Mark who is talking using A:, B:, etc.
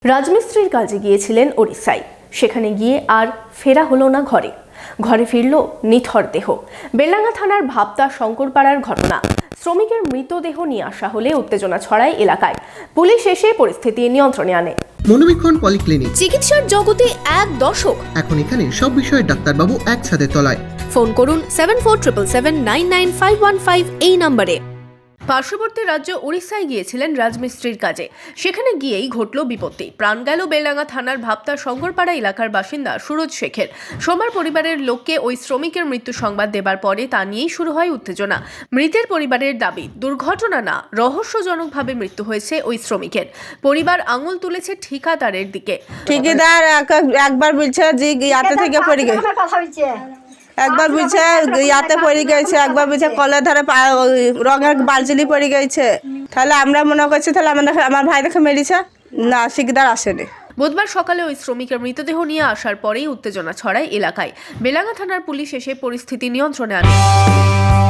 A: রাজমিস্ত্রির কাজে গিয়েছিলেন ওড়িশায়। সেখানে গিয়ে আর ফেরা হলো না ঘরে। ঘরে ফিরল নিথর দেহ। বেলডাঙ্গা থানার ভাবতা শঙ্করপাড়ার ঘটনা। শ্রমিকের মৃতদেহ নিয়ে আসা হলে উত্তেজনা ছড়ায় এলাকায়। পুলিশ এসে পরিস্থিতি নিয়ন্ত্রণে আনে।
B: মনোবীক্ষণ পলিক্লিনিক,
A: চিকিৎসার জগতে এক দশক।
B: এখন এখানে সব বিষয়ে ডাক্তারবাবু একসাথে তলায়।
A: ফোন করুন 7477799515 এই নম্বরে। পার্শ্ববর্তী রাজ্য ওড়িশায় গিয়েছিলেন রাজমিস্ত্রির কাজে। সেখানে গিয়েই ঘটল বিপত্তি। প্রাণ গেল বেলডাঙ্গা থানার ভাবতা শঙ্করপাড়া এলাকার বাসিন্দা সুরজ শেখের। সোমবার পরিবারের লোককে ওই শ্রমিকের মৃত্যু সংবাদ দেবার পরে তা নিয়েই শুরু হয় উত্তেজনা। মৃতের পরিবারের দাবি, দুর্ঘটনা না, রহস্যজনকভাবে মৃত্যু হয়েছে ওই শ্রমিকের। পরিবার আঙুল তুলেছে ঠিকাদারের দিকে।
C: ঠিকাদার একবার বলছে যে ইয়াতে থেকে পড়ে গেছে, একবার বলছে ইয়াতে পড়ে গেছে, একবার বলছে কলের ধারে রঙের বালচিলি পড়ে গেছে। তাহলে আমরা মনে করছি তাহলে আমার ভাই দেখে মেরেছে না, ঠিকাদার আসেনি।
A: বুধবার সকালে ওই শ্রমিকের মৃতদেহ নিয়ে আসার পরেই উত্তেজনা ছড়ায় এলাকায়। বেলডাঙ্গা থানার পুলিশ এসে পরিস্থিতি নিয়ন্ত্রণে আনে।